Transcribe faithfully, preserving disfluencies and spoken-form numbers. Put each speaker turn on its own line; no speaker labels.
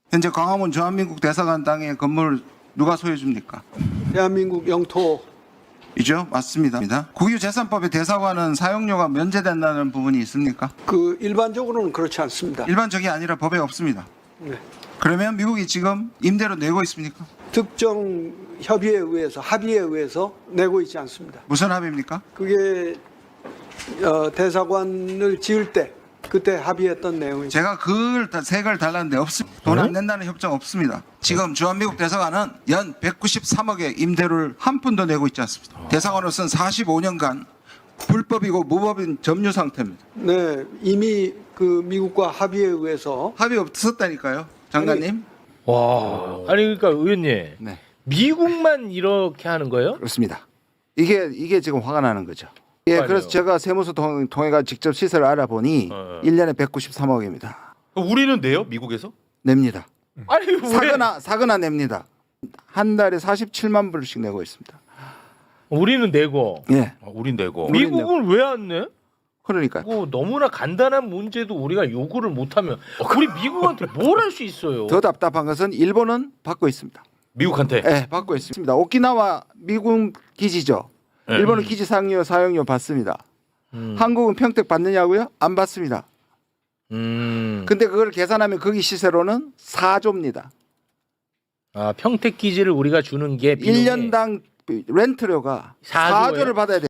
현재 광화문 주한민국 대사관 땅의 건물 누가 소유해 줍니까?
대한민국 영토
이죠? 맞습니다. 국유재산법에 대사관은 사용료가 면제된다는 부분이 있습니까?
그 일반적으로는 그렇지 않습니다.
일반적이 아니라 법에 없습니다.
네.
그러면 미국이 지금 임대료 내고 있습니까?
특정 협의에 의해서 합의에 의해서 내고 있지 않습니다.
무슨 합의입니까?
그게 어, 대사관을 지을 때 그때 합의했던 내용이죠.
제가 그걸 다 색을 달랐는데 없습니다. 돈 안 낸다는 협정 없습니다. 지금 주한미국 대사관은 연 백구십삼억의 임대료를 한 푼도 내고 있지 않습니다. 대사관으로서는 사십오 년간 불법이고 무법인 점유 상태입니다.
네, 이미 그 미국과 합의에 의해서
합의 없었다니까요, 장관님.
와, 아니 그러니까 의원님,
네,
미국만 이렇게 하는 거예요?
그렇습니다. 이게 이게 지금 화가 나는 거죠. 예,
아니요.
그래서 제가 세무서 통, 통해가 직접 시세를 알아보니
어.
일 년에 백구십삼억입니다.
우리는 내요? 미국에서?
냅니다.
아니 왜?
사거나 사거나 냅니다. 한 달에 사십칠만 불씩 내고 있습니다.
우리는 내고
예,
아, 우린 내고.
우린
미국은 왜 안 내?
그러니까
뭐 너무나 간단한 문제도 우리가 요구를 못하면 우리 미국한테 뭘 할 수 있어요?
더 답답한 것은 일본은 받고 있습니다.
미국한테.
예, 받고 있습니다. 오키나와 미군 기지죠.
네.
일본은 기지 사용료 사용료 받습니다.
음.
한국은 평택 받느냐고요? 안 받습니다.
음.
근데 그걸 계산하면 거기 시세로는 사조입니다.
아 평택 기지를 우리가 주는 게
일 년당 렌트료가
사조예요?
사조를 받아야 돼요.